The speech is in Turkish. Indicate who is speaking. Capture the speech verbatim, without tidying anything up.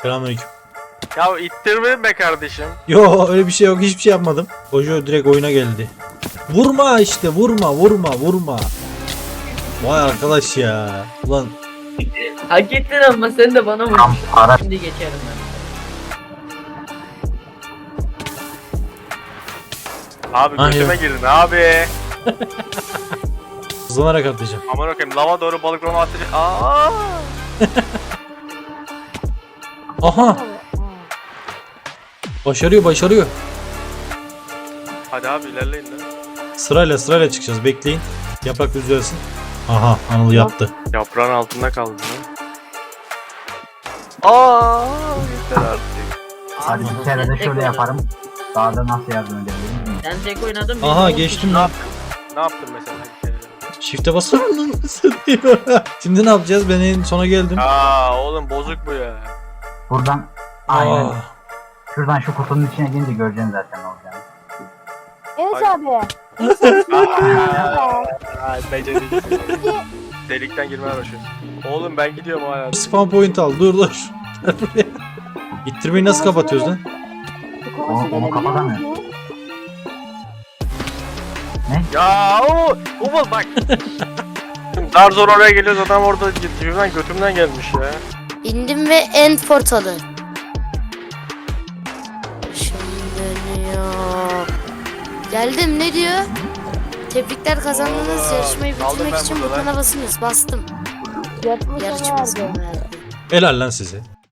Speaker 1: Selamünaleyküm.
Speaker 2: Ya ittirme be kardeşim.
Speaker 1: Yo öyle bir şey yok, hiçbir şey yapmadım. Hoca direkt oyuna geldi. Vurma işte, vurma vurma vurma. Vay arkadaş ya. Ulan
Speaker 3: Hak ettin ama sen de bana vurmuşsun. Şimdi geçerim ben.
Speaker 2: Abi
Speaker 1: Ay
Speaker 2: götüme
Speaker 1: ya.
Speaker 2: girdin abi.
Speaker 1: hızlanarak atlayacağım.
Speaker 2: Aman okuyayım lava doğru balık ronu atacak. Aa!
Speaker 1: Aha. Başarıyor başarıyor.
Speaker 2: Hadi abi ilerleyin lan.
Speaker 1: Sırayla sırayla çıkacağız, bekleyin. Yaprak düzelsin. Aha, Anıl yattı.
Speaker 2: Yaprağın altında kaldı lan. Aa, yeter artık.
Speaker 4: Hadi bir kere de şöyle yaparım. Daha da nasıl yardım edebilirim bilmiyorum.
Speaker 3: Sen tek oynadın.
Speaker 1: Aha,
Speaker 3: benim on
Speaker 1: geçtim
Speaker 3: kişi-
Speaker 1: lan.
Speaker 2: Ne yaptın mesela bir kere?
Speaker 1: Shift'e basarım lan. Şimdi ne yapacağız? Ben en sona geldim.
Speaker 2: Aa oğlum bozuk bu ya.
Speaker 4: Buradan aynen.
Speaker 1: Aa,
Speaker 4: Şuradan şu kutunun içine girince göreceksin zaten ne olacağını.
Speaker 5: Evet
Speaker 2: Ay.
Speaker 5: abi.
Speaker 2: Ay beceriksiz. Delikten girmeye başlıyor. Oğlum ben gidiyorum hala.
Speaker 1: spawn point al. Dur dur. İttirmeyi nasıl kapatıyoruz lan?
Speaker 4: Onu, onu kapatamıyor.
Speaker 2: Ya o Umut bak. Dar zor oraya geliyoruz, adam orada dibimden götümden gelmiş ya.
Speaker 6: İndim ve end portalı. Şimdi dönüyor. Geldim, ne diyor? Tebrikler, kazandınız.
Speaker 2: Oo,
Speaker 6: Yarışmayı
Speaker 2: kaldım
Speaker 6: bitirmek
Speaker 2: ben
Speaker 6: için
Speaker 2: burada
Speaker 6: butona basınız. Bastım.
Speaker 5: Yatmış
Speaker 6: Yarışmasını
Speaker 5: verdi.
Speaker 6: verdi.
Speaker 1: Helal lan size.